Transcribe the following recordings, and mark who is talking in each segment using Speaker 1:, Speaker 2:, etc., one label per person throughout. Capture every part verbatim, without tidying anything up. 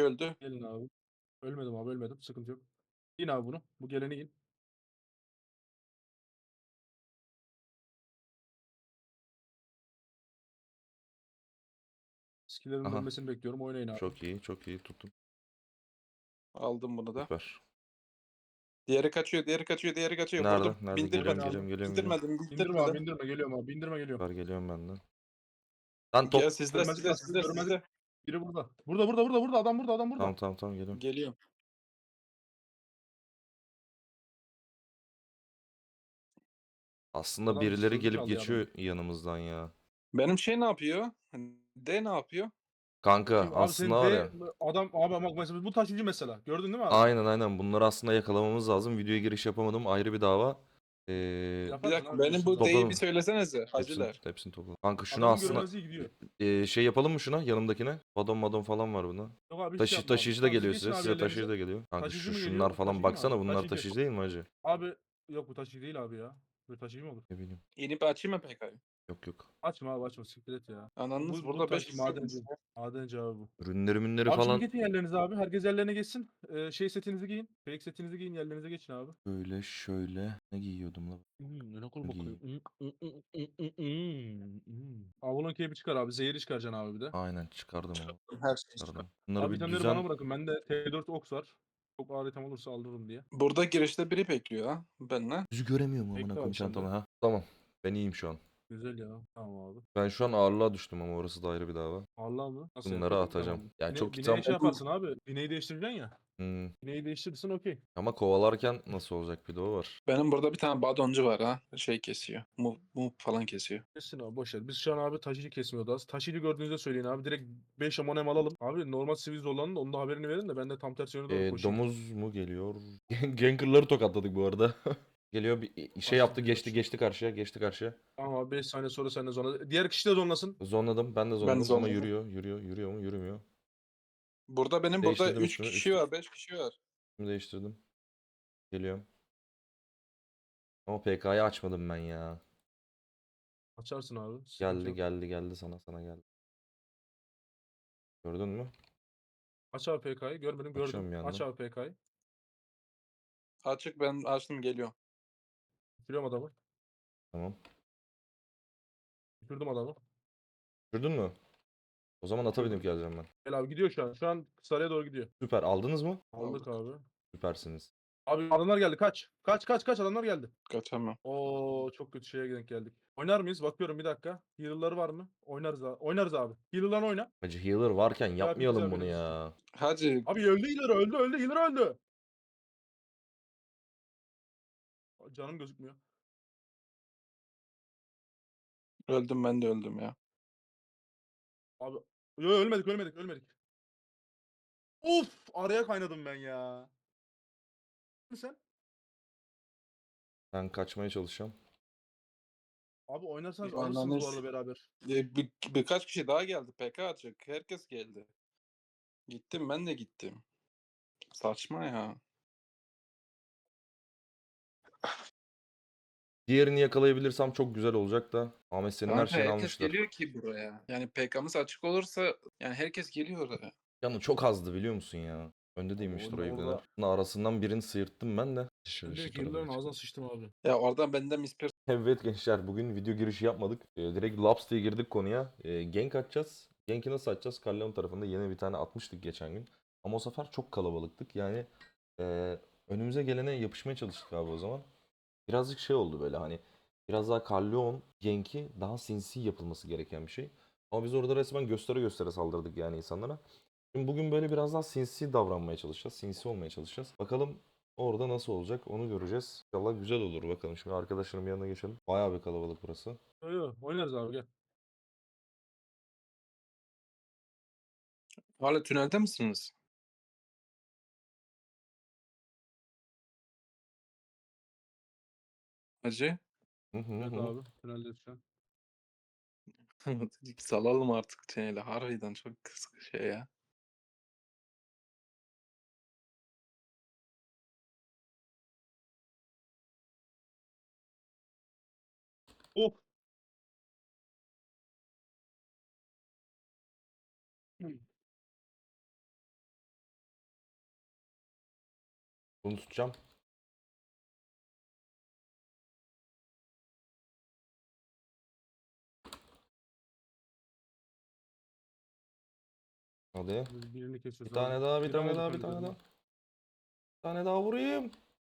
Speaker 1: öldü.
Speaker 2: Gelin abi. Ölmedim abi, ölmedim. Sıkıntı yok. Giyin abi bunu. Bu geleni giyin. Skill'lerin
Speaker 3: Aha.
Speaker 2: dönmesini bekliyorum. Oynayın abi.
Speaker 3: Çok iyi, çok iyi tuttum.
Speaker 1: Aldım bunu da.
Speaker 3: Süper.
Speaker 1: Diğeri kaçıyor, diğeri kaçıyor, diğeri kaçıyor.
Speaker 3: Nerede?
Speaker 1: Vurdum.
Speaker 3: Nerede? Geliyorum,
Speaker 2: Beni
Speaker 1: Bindirmedim.
Speaker 2: aldım.
Speaker 3: geliyorum, geliyorum, geliyorum.
Speaker 1: Bindirmedim,
Speaker 2: İndirme abi,
Speaker 1: bindirmedim.
Speaker 2: indirme. Geliyorum abi. İndirme geliyorum.
Speaker 3: Süper geliyorum ben de. Lan top.
Speaker 1: Gel sizde,
Speaker 2: Görmezlik
Speaker 1: sizde,
Speaker 2: kastı.
Speaker 1: sizde,
Speaker 2: Görmezlik.
Speaker 1: sizde.
Speaker 2: Biri burada. Burada, burada, burada, burada. Adam burada, adam burada.
Speaker 3: Tamam tamam tamam geliyorum.
Speaker 1: Geliyorum.
Speaker 3: Aslında
Speaker 2: Adam
Speaker 3: birileri
Speaker 2: sözü
Speaker 3: gelip
Speaker 2: çaldı ya
Speaker 3: geçiyor
Speaker 2: benden.
Speaker 3: yanımızdan ya.
Speaker 1: Benim şey ne yapıyor? D ne yapıyor?
Speaker 3: Kanka
Speaker 2: Kim? Abi
Speaker 3: aslında
Speaker 2: senin
Speaker 3: var
Speaker 2: D
Speaker 3: ya.
Speaker 2: adam abi bak mesela bu taşıyıcı mesela. Gördün değil mi abi?
Speaker 3: Aynen aynen bunları aslında yakalamamız lazım. Videoya giriş yapamadım ayrı bir dava. Ee,
Speaker 1: Bir
Speaker 2: Yaparsın
Speaker 1: dakika,
Speaker 2: abi
Speaker 1: benim
Speaker 2: biliyorsun
Speaker 1: bu
Speaker 2: zaten.
Speaker 1: D'yi bir
Speaker 3: topladım.
Speaker 1: söylesenize
Speaker 3: Hepsini,
Speaker 1: haciler.
Speaker 3: hepsini topladım. Kanka şunu
Speaker 2: Adamın
Speaker 3: aslında
Speaker 2: görünmezliği gidiyor.
Speaker 3: ee, şey yapalım mı şuna yanımdakine? Badon madon falan var bunda.
Speaker 2: Yok abi hiç şey
Speaker 3: Taşı,
Speaker 2: yapma abi.
Speaker 3: taşıyıcı da
Speaker 2: Tamam siz
Speaker 3: geliyor
Speaker 2: geçin
Speaker 3: size.
Speaker 2: abi
Speaker 3: Size taşıyıcı
Speaker 2: yerlerinize.
Speaker 3: da geliyor. Kanka
Speaker 2: Taşıyıcı
Speaker 3: şu
Speaker 2: mı
Speaker 3: şunlar
Speaker 2: geliyor?
Speaker 3: falan
Speaker 2: Taşıyıcı mı
Speaker 3: baksana
Speaker 2: abi?
Speaker 3: bunlar
Speaker 2: Taşıyıcı.
Speaker 3: taşıyıcı değil mi hacı?
Speaker 2: Abi yok bu taşıyıcı değil abi ya. Böyle taşıyıcı mı olur?
Speaker 3: Ne bileyim.
Speaker 1: İnip açayım mı P K'yı?
Speaker 3: Yok yok.
Speaker 2: Açma abi açma siktir et ya.
Speaker 1: Ananız
Speaker 2: Bu, bu
Speaker 1: burada beş
Speaker 2: taşı
Speaker 1: kişi
Speaker 2: madenci.
Speaker 1: olmuş.
Speaker 2: Madenci abi bu.
Speaker 3: Ürünleri münleri
Speaker 2: Abi şimdi
Speaker 3: falan
Speaker 2: geçin yerlerinize abi. Herkes yerlerine geçsin. Ee, şey setinizi giyin. Fake setinizi giyin. Yerlerinize geçin abi.
Speaker 3: böyle şöyle ne giyiyordum la?
Speaker 2: Hmm, ne kul
Speaker 3: Ne
Speaker 2: bakıyor.
Speaker 3: giyeyim?
Speaker 2: Hmm, hmm, hmm, hmm, hmm, hmm, hmm. Avlon keyfi çıkar abi. Zehri çıkaracaksın abi bir de.
Speaker 3: Aynen çıkardım onu.
Speaker 1: Her şey çıkar.
Speaker 3: Çıkardım. Bunları
Speaker 2: Abi
Speaker 3: bir
Speaker 2: itemleri bana
Speaker 3: düzen.
Speaker 2: bırakın. Bende T dört Ox var. Çok ağır item olursa aldırırım diye.
Speaker 1: Burada girişte biri bekliyor ha. Benle.
Speaker 3: Yüzü göremiyorum amına
Speaker 2: Bekle
Speaker 3: koyayım
Speaker 2: abi sen
Speaker 3: çantamı
Speaker 2: de.
Speaker 3: ha. Tamam. Ben iyiyim şu an.
Speaker 2: Güzel ya. Tamam abi.
Speaker 3: Ben şu an ağırlığa düştüm ama orası da ayrı bir dava.
Speaker 2: Allah mı? Nasıl yani?
Speaker 3: Bunları
Speaker 2: Çok item
Speaker 3: atacağım.
Speaker 2: aldım.
Speaker 3: Yani çok
Speaker 2: Bine, bineye
Speaker 3: item.
Speaker 2: şey yaparsın abi. Bineyi değiştireceksin ya.
Speaker 3: Hmm.
Speaker 2: Bineyi değiştirirsen okey.
Speaker 3: Ama kovalarken nasıl olacak bir de o var.
Speaker 1: Benim burada bir tane badoncu var ha. Şey kesiyor. Move, move falan kesiyor.
Speaker 2: Kesin abi boş ver. Biz şu an abi taşıyıcı kesmiyordu az. Taşıyıcı gördüğünüzde söyleyin abi. Direkt beş amonem alalım. Abi normal sivil zorlanın da onun da haberini verin de ben de tam tersi yöne doğru
Speaker 3: Ee,
Speaker 2: koşayım.
Speaker 3: domuz mu geliyor? Ganker'ları tokatladık bu arada. Geliyor bir şey
Speaker 2: Başladı
Speaker 3: yaptı
Speaker 2: diyor
Speaker 3: geçti
Speaker 2: şimdi.
Speaker 3: geçti karşıya geçti karşıya.
Speaker 2: Tamam abi beş saniye sonra sen de zona. Diğer kişi de zonlasın.
Speaker 3: Zonladım ben de
Speaker 1: Ben
Speaker 3: zonladım ama
Speaker 1: zorladım.
Speaker 3: yürüyor yürüyor yürüyor mu yürümüyor.
Speaker 1: Burada benim burada
Speaker 3: Değiştirdim
Speaker 1: üç
Speaker 3: üstümü
Speaker 1: kişi
Speaker 3: üstümü
Speaker 1: var, beş kişi var.
Speaker 3: değiştirdim. Geliyorum. Ama P K'yı açmadım ben ya.
Speaker 2: Açarsın abi. Sıkıntı
Speaker 3: Geldi
Speaker 2: yok.
Speaker 3: geldi geldi sana sana geldi. Gördün mü?
Speaker 2: Aç abi P K'yı. Görmedim gördüm.
Speaker 3: Açıyorum bir
Speaker 2: Aç
Speaker 3: yandan.
Speaker 2: abi P K'yı.
Speaker 1: Açık, ben açtım, geliyor.
Speaker 2: Bitiriyorum adamı.
Speaker 3: Tamam.
Speaker 2: Bitirdim adamı.
Speaker 3: Gördün mü? O zaman ata binip
Speaker 2: Bitirdim.
Speaker 3: geleceğim ben.
Speaker 2: Gel abi gidiyor şu an. Şu an sarıya doğru gidiyor.
Speaker 3: Süper aldınız mı?
Speaker 2: Aldık
Speaker 1: Aldık.
Speaker 2: abi.
Speaker 3: Süpersiniz.
Speaker 2: Abi adamlar geldi. Kaç. Kaç kaç kaç adamlar geldi.
Speaker 1: Kaçamam.
Speaker 2: Oo çok kötü şeye denk geldik. Oynar mıyız? Bakıyorum bir dakika. Healer'ları var mı? Oynarız abi. Oynarız abi. Healer'larını oyna.
Speaker 3: Hacı healer varken
Speaker 2: V I P bize
Speaker 3: yapmayalım bunu
Speaker 2: haberiniz olsun.
Speaker 3: ya.
Speaker 1: Hacı
Speaker 2: Abi öldü Healer öldü öldü Healer öldü. Canım gözükmüyor.
Speaker 1: öldüm, ben de öldüm ya.
Speaker 2: Abi yo, ölmedik ölmedik ölmedik. Of araya kaynadım ben ya. Sen?
Speaker 3: Ben kaçmaya çalışacağım.
Speaker 2: Abi oynarsanız alırsınız bu
Speaker 1: Ananız.
Speaker 2: arada beraber.
Speaker 1: E, bir, birkaç kişi daha geldi. P K açık. Herkes geldi. Gittim, ben de gittim. Saçma ya.
Speaker 3: Diğerini yakalayabilirsem çok güzel olacak da. Ahmet senin her
Speaker 1: Kanka
Speaker 3: şeyini
Speaker 1: herkes
Speaker 3: almışlar.
Speaker 1: geliyor ki buraya. Yani P K'mız açık olursa yani herkes geliyor oraya.
Speaker 3: Canı çok azdı biliyor musun ya? Önde
Speaker 2: Abi
Speaker 3: değilmiştir
Speaker 2: orada,
Speaker 3: o ibneler.
Speaker 2: orada
Speaker 3: Bunun arasından birini sıyırttım ben de.
Speaker 2: ben
Speaker 3: Şu, şu
Speaker 2: direkt
Speaker 3: tarafa
Speaker 2: Healer'ların
Speaker 3: geç.
Speaker 2: ağzına sıçtım abi.
Speaker 1: Ya oradan bende mispir.
Speaker 3: Evet gençler bugün video girişi yapmadık. Ee, direkt Laps diye girdik konuya. Ee, gank atacağız. Gank'i nasıl atacağız? Karleon tarafında yeni bir tane atmıştık geçen gün. Ama o sefer çok kalabalıktık. Yani e, önümüze gelene yapışmaya çalıştık abi o zaman. Birazcık şey oldu böyle hani. Biraz daha Karleon Gank'i daha sinsi yapılması gereken bir şey. Ama biz orada resmen göstere göstere saldırdık yani insanlara. Şimdi bugün böyle biraz daha sinsi davranmaya çalışacağız. Sinsi olmaya çalışacağız. Bakalım orada nasıl olacak onu göreceğiz. İnşallah güzel olur bakalım. Şimdi arkadaşlarım yanına geçelim. Bayağı bir kalabalık burası.
Speaker 2: Yo, yo, oynarız abi gel.
Speaker 1: Hala tünelde misiniz? Hacı.
Speaker 3: Hı hı
Speaker 2: Evet
Speaker 3: hı.
Speaker 2: abi. Tüneldeyiz şu an.
Speaker 1: Salalım artık tüneli. Harbiden çok kısa şey ya.
Speaker 2: Of.
Speaker 3: Bunu tutacağım. Hadi.
Speaker 2: Biz birini
Speaker 3: Bir
Speaker 2: kesiyoruz
Speaker 3: tane
Speaker 2: abi.
Speaker 3: daha, bir
Speaker 2: Biri
Speaker 3: tane
Speaker 2: oldu
Speaker 3: daha, bir
Speaker 2: kanka
Speaker 3: tane daha.
Speaker 2: üzerinde.
Speaker 3: Bir tane daha vurayım.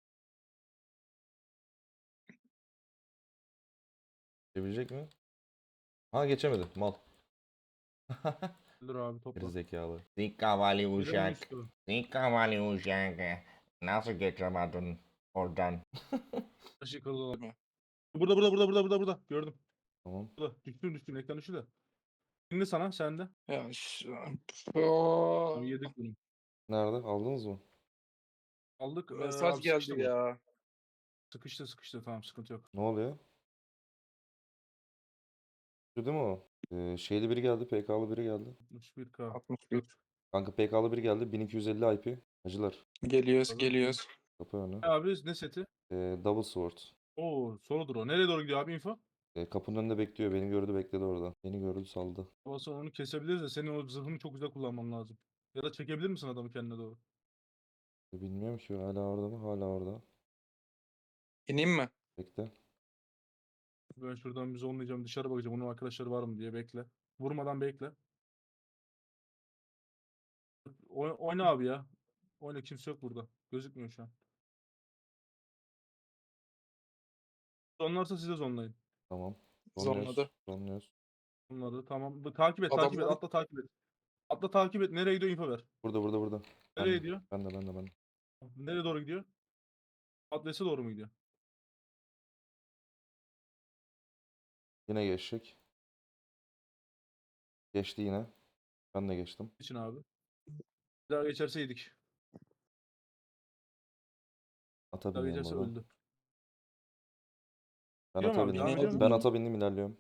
Speaker 3: Geçebilecek mi? Ha geçemedi. Mal.
Speaker 2: Dur abi topla.
Speaker 3: Gerizekalı. Zikavali
Speaker 2: Biri mi
Speaker 3: uşak.
Speaker 2: üstü?
Speaker 3: Zikavali uşak. Nasıl geçemedin oradan?
Speaker 2: Taşı kırıldı olan.
Speaker 1: Değil mi?
Speaker 2: Burada burada burada burada burada burada. Gördüm.
Speaker 3: Tamam.
Speaker 2: Burada. Düştüm düştüm. Ekran düştü de. Şimdi sana sende.
Speaker 1: Ya şu...
Speaker 2: Tamam yedik bunu.
Speaker 3: Nerede? Aldınız mı?
Speaker 2: Aldık. Ee,
Speaker 1: Mesaj
Speaker 2: abi sıkıştı
Speaker 1: geldi
Speaker 2: bu.
Speaker 1: ya.
Speaker 2: Sıkıştı sıkıştı. Tamam sıkıntı yok.
Speaker 3: Ne oluyor? Şu değil mi o? Ee, şeyli biri geldi. P K'lı biri geldi.
Speaker 2: altmış bir K.
Speaker 1: altmış bir.
Speaker 3: Kanka P K'lı biri geldi. bin iki yüz elli I P. Hacılar.
Speaker 1: Geliyoruz
Speaker 2: Tabii.
Speaker 1: geliyoruz.
Speaker 3: Kapı önü.
Speaker 2: Abi ne seti?
Speaker 3: Ee, Double Sword.
Speaker 2: Oo soludur o. Nereye doğru gidiyor abi info?
Speaker 3: Ee, kapının önünde bekliyor. Beni gördü bekledi orada. Beni gördü saldı.
Speaker 2: Olsa onu kesebiliriz de senin o zırhını çok güzel kullanman lazım. Ya da çekebilir misin adamı kendine doğru?
Speaker 3: Ee, Bilmiyorum ki hala orada mı? Hala orada.
Speaker 1: İneyim mi?
Speaker 3: Bekle.
Speaker 2: Ben şuradan bir zonlayacağım dışarı bakacağım. Onun arkadaşları var mı diye bekle. Vurmadan bekle. Oy- oyna abi ya. Oyna kimse yok burada. Gözükmüyor şu an. Zonlarsa siz de zonlayın.
Speaker 3: Tamam. Zonluyoruz.
Speaker 1: Zonladı.
Speaker 3: Zonluyoruz.
Speaker 2: Bunları tamam. Bu- Takip et takip et.
Speaker 1: Adamlar
Speaker 2: Atla takip et. Atla takip et. Nereye gidiyor info ver.
Speaker 3: Burada burada burada. Ben
Speaker 2: Nereye
Speaker 3: de.
Speaker 2: gidiyor?
Speaker 3: Ben de ben de ben de.
Speaker 2: Nereye doğru gidiyor? Adrese doğru mu gidiyor?
Speaker 3: Yine geçecek. Geçti yine. Ben de geçtim.
Speaker 2: İçin abi. Bir daha geçerse yedik.
Speaker 3: Ata
Speaker 2: Bir daha
Speaker 3: biniyorum
Speaker 2: geçerse
Speaker 3: oradan.
Speaker 2: öldü.
Speaker 3: Ben
Speaker 2: Gidiyor mu
Speaker 3: ata
Speaker 2: abi? Devam
Speaker 3: bindim.
Speaker 2: ediyor mu?
Speaker 3: Ben ata bindim ilerliyorum.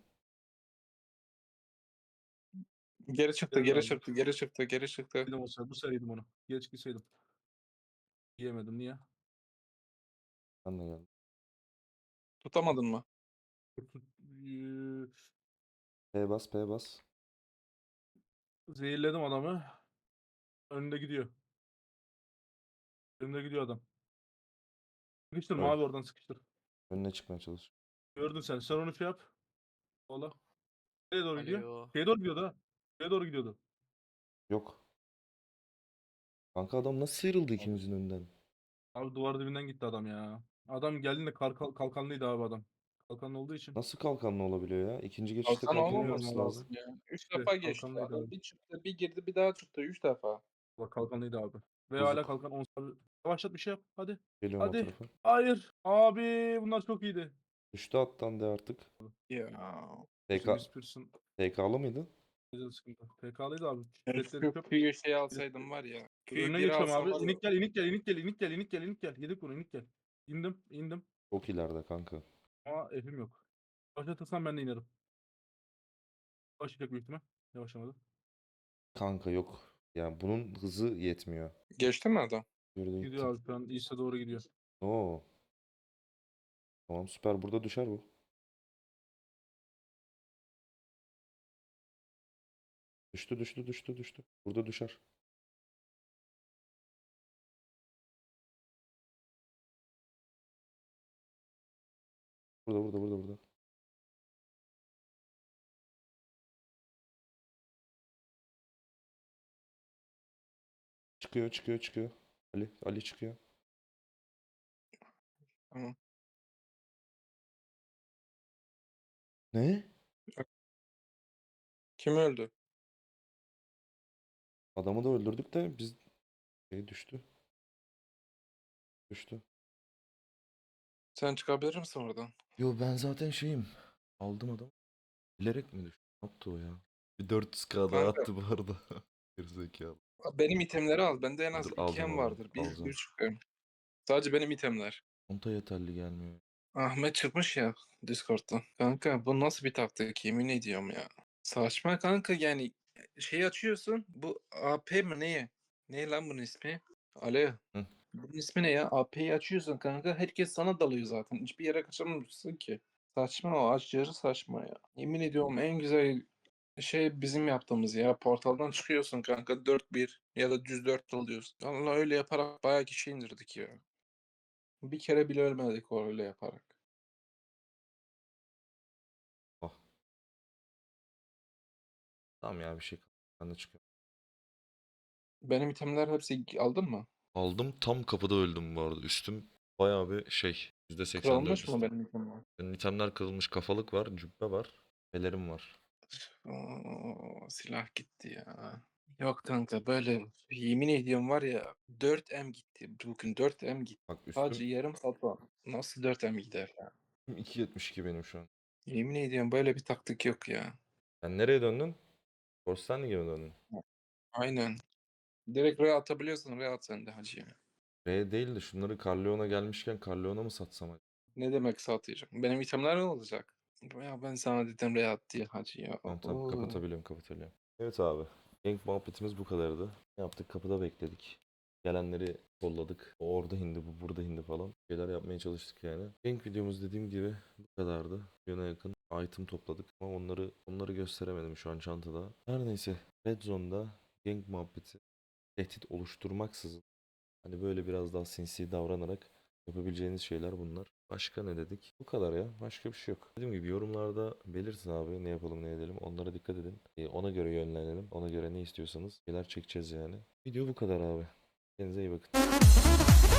Speaker 1: geri çıktı,
Speaker 2: Geldi
Speaker 1: geri
Speaker 2: abi.
Speaker 1: çıktı, geri çıktı, geri çıktı.
Speaker 2: Yedim o sefer. Bu sefer yedim onu. Geç gitseydim. Yiyemedim. Niye?
Speaker 3: Ben de geldim.
Speaker 1: Tutamadın mı?
Speaker 2: Tut- tut- Eee,
Speaker 3: P bas P bas.
Speaker 2: Zehirledim adamı. Önünde gidiyor. Önünde gidiyor adam. Sıkıştır
Speaker 3: Öl.
Speaker 2: mavi oradan sıkıştır.
Speaker 3: Önüne çıkmaya çalış.
Speaker 2: Gördün sen. Sen onu şey yap. Valla. Nereye doğru gidiyor?
Speaker 1: Alo.
Speaker 2: Şeye doğru gidiyordu ha. Şeye doğru gidiyordu.
Speaker 3: Yok. Kanka adam nasıl sıyrıldı ikimizin önünden?
Speaker 2: Abi duvar dibinden gitti adam ya. Adam geldiğinde kalkan, kalkanlıydı abi adam. Kalkanlı olduğu için.
Speaker 3: Nasıl kalkanlı olabiliyor ya? İkinci geçişte
Speaker 1: Kalkan
Speaker 3: kalkan
Speaker 2: Bilmiyorum
Speaker 3: olması
Speaker 1: olmaması
Speaker 2: abi.
Speaker 3: lazım.
Speaker 1: lazım ya. Üç
Speaker 2: İşte
Speaker 1: defa geçti
Speaker 2: kalkanlıydı
Speaker 1: adam.
Speaker 2: abi.
Speaker 1: Bir çıktı, bir girdi, bir daha çıktı. Üç defa.
Speaker 2: Bak kalkanlıydı abi. Ve hala
Speaker 3: Bozuk.
Speaker 2: kalkan on abi. Yavaşlat bir şey yap. Hadi.
Speaker 3: Geliyorum o
Speaker 2: Hadi.
Speaker 3: tarafa.
Speaker 2: Hayır. Abi bunlar çok iyiydi.
Speaker 3: Düştü attan de artık.
Speaker 1: Ya.
Speaker 3: P K,
Speaker 2: Bizim Whispers'ın
Speaker 3: P K'lı mıydı?
Speaker 2: güzel sıkıntı. P K'lıydı abi.
Speaker 1: Ya
Speaker 2: Setleri
Speaker 1: Şu
Speaker 2: çöp.
Speaker 1: Q'yu şey alsaydım var ya. Q'yu
Speaker 2: Önüne
Speaker 1: biri
Speaker 2: geçiyorum
Speaker 1: alsam
Speaker 2: abi.
Speaker 1: var ya.
Speaker 2: İnik gel, inik gel, inik gel, inik gel, inik gel, inik gel, inik gel. Yedik bunu, inik gel. İndim, indim.
Speaker 3: Çok ileride kanka.
Speaker 2: Ama F'im yok. Başlatırsam ben de inerim. Başlayacak büyük ihtimal. Yavaşlamadı.
Speaker 3: Kanka yok. Yani bunun hızı yetmiyor.
Speaker 1: Geçti mi adam?
Speaker 3: Yürüdü gitti.
Speaker 2: Gidiyor abi şu an East'e doğru gidiyor.
Speaker 3: Oo. Tamam süper. Burada düşer bu. Düştü düştü düştü düştü. Burada düşer. Burada burada burada burada. Çıkıyor çıkıyor çıkıyor. Ali Ali çıkıyor.
Speaker 1: Tamam.
Speaker 3: Ne?
Speaker 1: Kim öldü?
Speaker 3: Adamı da öldürdük de biz şey düştü. Düştü.
Speaker 1: Sen çıkabilir misin oradan?
Speaker 3: Yo ben zaten şeyim. Aldım adam. Bilerek mi düştü? Ne yaptı o ya? Bir dört yüz k daha
Speaker 1: Kanka.
Speaker 3: attı bu arada. Gerizekalı.
Speaker 1: Benim itemleri al. Bende en az
Speaker 3: Dur,
Speaker 1: iki
Speaker 3: alacağım
Speaker 1: em
Speaker 3: onu,
Speaker 1: vardır. Bir,
Speaker 3: alacağım.
Speaker 1: üç em. Sadece benim itemler.
Speaker 3: Konta yeterli gelmiyor.
Speaker 1: Ahmet çıkmış ya Discord'dan. Kanka bu nasıl bir taktik yemin ediyorum ya. Saçma kanka yani şey açıyorsun bu A P mi neye? Ne lan bunun ismi? Alo.
Speaker 3: Hı.
Speaker 1: Bunun ismi ne ya? A P'yi açıyorsun kanka herkes sana dalıyor zaten. Hiçbir yere kaçamıyorsun ki. Saçma o aşırı saçma ya. Yemin ediyorum en güzel şey bizim yaptığımız ya. Portaldan çıkıyorsun kanka dört bir ya da düz dört alıyorsun. Allah öyle yaparak bayağı kişi indirdik ya. Bir kere bile ölmedik o öyle yaparak.
Speaker 3: Ah. Tamam ya bir şey kalmadı. Ben de çıkıyorum.
Speaker 1: Benim itemler hepsi aldın mı?
Speaker 3: Aldım tam kapıda öldüm bu arada. Üstüm bayağı bir şey. yüzde seksen dört
Speaker 1: Kırılmış mı
Speaker 3: üstüm.
Speaker 1: benim itemler?
Speaker 3: Benim itemler kırılmış. Kafalık var, cübbe var, pelerim var.
Speaker 1: Oo, silah gitti ya. Yok kanka böyle yemin ediyorum var ya dört M gitti. Bugün dört M gitti.
Speaker 3: Bak
Speaker 1: Sadece
Speaker 3: üstüm
Speaker 1: yarım saat var. Nasıl dört M gider ya?
Speaker 3: iki yetmiş iki benim şu an.
Speaker 1: Yemin ediyorum böyle bir taktik yok ya.
Speaker 3: Sen nereye döndün? Forstanlig'e mi döndün?
Speaker 1: Aynen. Direkt R'ye atabiliyorsun. R'ye at sen de hacı ya.
Speaker 3: R değil de şunları Carleon'a gelmişken Carleon'a mı satsam acaba?
Speaker 1: Ne demek satacağım? Benim itemler ne olacak? Ya ben sana dedim R'ye at diye hacı ya.
Speaker 3: Tamam tamam
Speaker 1: Oo.
Speaker 3: kapatabiliyorum kapatabiliyorum. Evet abi. Gank muhabbetimiz bu kadardı. Ne yaptık? Kapıda bekledik. Gelenleri kolladık. O orada indi, bu burada indi falan. Şeyler yapmaya çalıştık yani. Gank videomuz dediğim gibi bu kadardı. Yana yakın item topladık ama onları onları gösteremedim şu an çantada. Her neyse. Red Zone'da gank muhabbeti tehdit oluşturmaksızın hani böyle biraz daha sinsi davranarak yapabileceğiniz şeyler bunlar. Başka ne dedik? Bu kadar ya. Başka bir şey yok. Dediğim gibi yorumlarda belirtin abi ne yapalım ne edelim. Onlara dikkat edin. Ee, ona göre yönlenelim. Ona göre ne istiyorsanız şeyler çekeceğiz yani. Video bu kadar abi. Kendinize iyi bakın.